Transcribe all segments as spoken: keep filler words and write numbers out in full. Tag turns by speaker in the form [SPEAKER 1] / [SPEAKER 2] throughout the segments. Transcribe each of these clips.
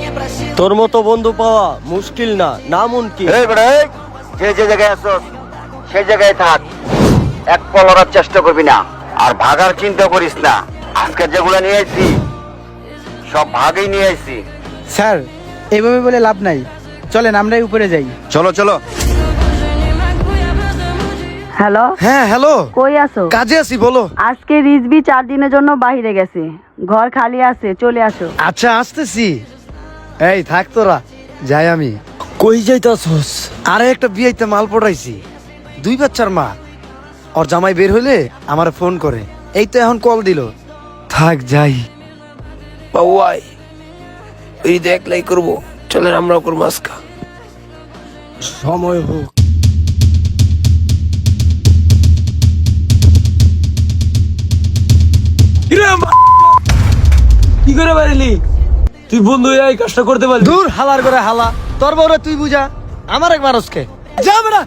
[SPEAKER 1] তোর মতো বন্ধু পাওয়া মুশকিল না, নামুনকিন।
[SPEAKER 2] এই বেটা, এই, যে যে জায়গায় আছস সেই জায়গায় থাক, এক পলরার চেষ্টা করবি না, আর ভাগার চিন্তা করিস না। আজকে যেগুলো নিয়ে আইছি সব ভাগই নিয়ে আইছি।
[SPEAKER 3] স্যার এইভাবে বলে লাভ নাই, চলেন আমরাই উপরে যাই।
[SPEAKER 2] চলো চলো।
[SPEAKER 4] হ্যালো,
[SPEAKER 3] হ্যাঁ হ্যালো,
[SPEAKER 4] কই আছো?
[SPEAKER 3] কাজে আছি, বলো।
[SPEAKER 4] আজকে রিজবি চার দিনের জন্য বাইরে গেছে, ঘর খালি আছে, চলে আসো।
[SPEAKER 3] আচ্ছা আসতেছি। এই থাক তোরা, যাই আমি।
[SPEAKER 1] কই যাইতাছস?
[SPEAKER 3] আরে একটা বিয়েতে মাল পড়াইছি, দুই বাচ্চার মা। ওর জামাই বের হইলে আমার ফোন করে, এই তো এখন কল দিল। থাক যাই।
[SPEAKER 1] বাউয়াই এই দেখলাই করবো, চলেন আমরাও করবো আজকা। সময় হোক। কি করে পারিলি তুই? বন্ধু এই কাজটা করতে পারলি?
[SPEAKER 3] দূর হালার করে হালা, তোর বউরে তুই বুঝা, আমার এক মানুষকে যা বেড়া।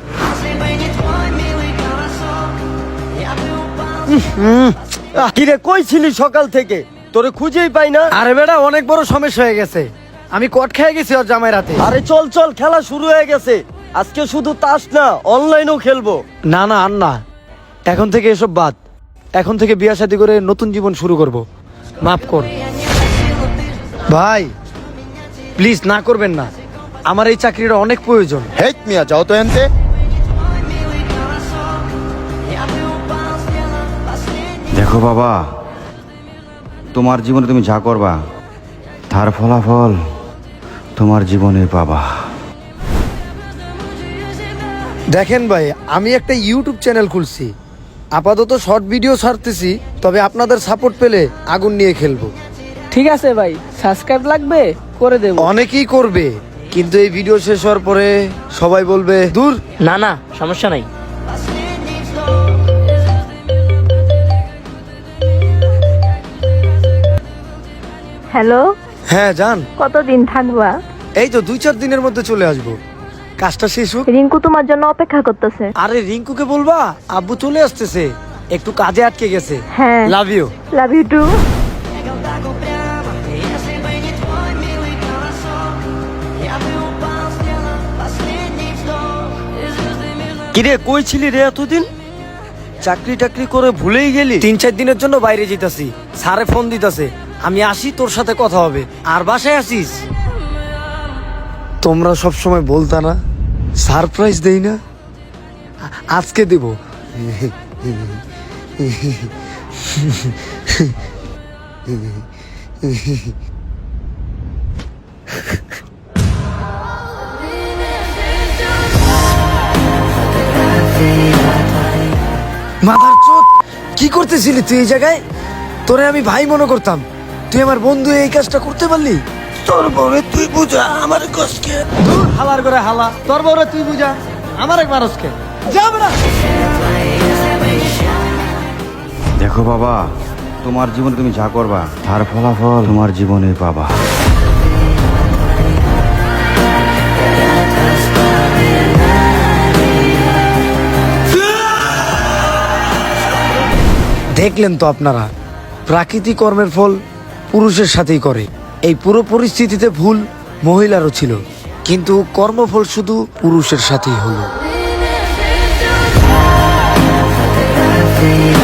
[SPEAKER 1] কিরে কই ছিলি সকাল থেকে? তোরে খুঁজেই পাই না।
[SPEAKER 3] আরে বেড়া অনেক বড় সমস্যা হয়ে গেছে, আমি কট খেয়ে গেছি ওর জামাই রাতে।
[SPEAKER 1] আরে চল চল, খেলা শুরু হয়ে গেছে। আজকে শুধু তাস না, অনলাইনেও খেলবো।
[SPEAKER 3] না না আর না, এখন থেকে এসব বাদ। এখন থেকে বিয়ে শাদী করে নতুন জীবন শুরু করব, মাফ কর ভাই, প্লিজ না করবেন না, আমার এই চাকরিটা অনেক প্রয়োজন।
[SPEAKER 2] হেট মিয়া, যাও তো এনতে। দেখো বাবা, তোমার জীবনে তুমি যা করবা তার ফলাফল তোমার জীবনে পাবা।
[SPEAKER 3] দেখেন ভাই, আমি একটা ইউটিউব চ্যানেল খুলছি, আপাতত শর্ট ভিডিও ছাড়তেছি, তবে আপনাদের সাপোর্ট পেলে আগুন নিয়ে খেলবো।
[SPEAKER 5] ঠিক আছে ভাই, সাবস্ক্রাইব লাগবে, করে দেব।
[SPEAKER 3] অনেকেই করবে, কিন্তু এই ভিডিও শেষ হওয়ার পরে সবাই বলবে দূর।
[SPEAKER 5] না না, সমস্যা নাই।
[SPEAKER 4] হ্যালো,
[SPEAKER 3] হ্যাঁ জান,
[SPEAKER 4] কতদিন থাকবা?
[SPEAKER 3] এই তো দুই চার দিনের মধ্যে চলে আসবো, কাজটা শেষ হোক।
[SPEAKER 4] রিঙ্কু তোমার জন্য অপেক্ষা করতেছে।
[SPEAKER 3] আরে রিঙ্কুকে বলবা আব্বু চলে আসতেছে, একটু কাজে আটকে গেছে।
[SPEAKER 4] হ্যাঁ,
[SPEAKER 3] love you.
[SPEAKER 4] Love you too.
[SPEAKER 1] কিরে কই ছিলি রে এতদিন? চাকরি টাকরি করে ভুলেই গেলি?
[SPEAKER 3] তিন চার দিনের জন্য বাইরে যেতেছি, স্যারে ফোন দিতেছে, আমি আসি তোর সাথে কথা হবে। আর বাসায় আসিস? তোমরা সব সময় বলতা না সারপ্রাইজ দেই না, আ- আজকে দেব। মাদার চোদ, কি করতেছিলি তুই এই জায়গায়? তোরে আমি ভাই মনে করতাম, তুই আমার বন্ধু, এই কাজটা করতে পারলি?
[SPEAKER 1] তোর বউরে তুই বুঝা, আমার কষ্টকে।
[SPEAKER 3] দূর হালার করে হালা, তোর বউরে তুই বুঝা, আমার এক মানুষকে যা বেড়া।
[SPEAKER 2] দেখো বাবা, তোমার জীবনে তুমি যা করবা তার ফলাফল তোমার জীবনে পাবা।
[SPEAKER 3] দেখলেন তো আপনারা, প্রাকৃতিক কর্মের ফল পুরুষের সাথেই করে। এই পুরো পরিস্থিতিতে ভুল মহিলারও ছিল, কিন্তু কর্মফল শুধু পুরুষের সাথেই হলো।